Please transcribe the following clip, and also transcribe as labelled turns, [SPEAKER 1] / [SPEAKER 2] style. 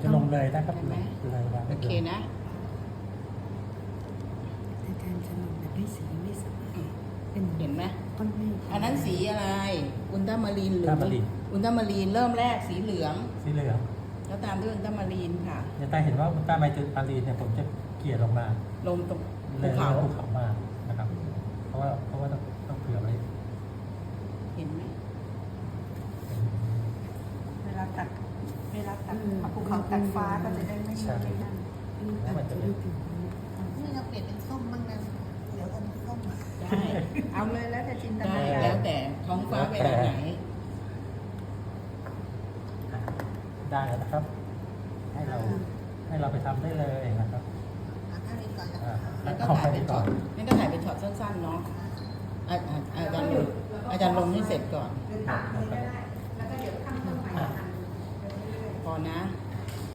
[SPEAKER 1] ลงเลยนะครับ
[SPEAKER 2] เห็นไหม
[SPEAKER 1] เลยนะ
[SPEAKER 2] โอเคนะ
[SPEAKER 3] อาจารย์จะลงแบบไม่สีไม่สวยเป็น
[SPEAKER 2] เห็นไหม
[SPEAKER 3] ก้อนเมฆ
[SPEAKER 2] อันนั้นสีอะไร อุลตรามารีนหรือ
[SPEAKER 1] ถ้ามารีน
[SPEAKER 2] อุลตรามารีนเริ่มแรกสีเหลือง
[SPEAKER 1] สีเหลือง
[SPEAKER 2] แล้วตามด้วยอุลตรามารีนค่ะ
[SPEAKER 1] เนี่ยแต่เห็นว่าอุลตร้าไมตรีนเนี่ยผมจะเกลี่ยลงมา
[SPEAKER 2] ลงตรง
[SPEAKER 1] เล
[SPEAKER 2] ภู
[SPEAKER 1] ย
[SPEAKER 2] เขา
[SPEAKER 1] ภูเขามานะครับ เพราะว่าต้องเผื่อไว้
[SPEAKER 2] เห็นไหม
[SPEAKER 4] เวลาตัดเอาภูเขาตัดฟ้าก็จะได้ไม่มีอะไรนั่น
[SPEAKER 1] แล้วมันจะเป็น
[SPEAKER 5] นี่เราเปลี่ยนเป็นส้มบ้างนะเดี๋ยวอมส้ม
[SPEAKER 2] ได้
[SPEAKER 4] เอาเลยแล้วแต่จินต
[SPEAKER 2] ได้
[SPEAKER 4] นาการ
[SPEAKER 2] แล้วแต่ท้องฟ้าไปทางไหน
[SPEAKER 1] ได้แล้วนะครับ ให้เราไปทำได้เลยนะครับ
[SPEAKER 5] ถ้านี้ก่อนนะ
[SPEAKER 2] แล้วก็
[SPEAKER 1] ขอ
[SPEAKER 2] ถ่าย
[SPEAKER 1] ไป
[SPEAKER 2] เป็นช็
[SPEAKER 1] ก่
[SPEAKER 2] อ
[SPEAKER 1] อ
[SPEAKER 2] ต
[SPEAKER 1] น
[SPEAKER 2] นั่นก็ถ่ายเป็นช็อตสั้นๆเนาะอาจารย์ลงให้เสร็จก่อน พอนะ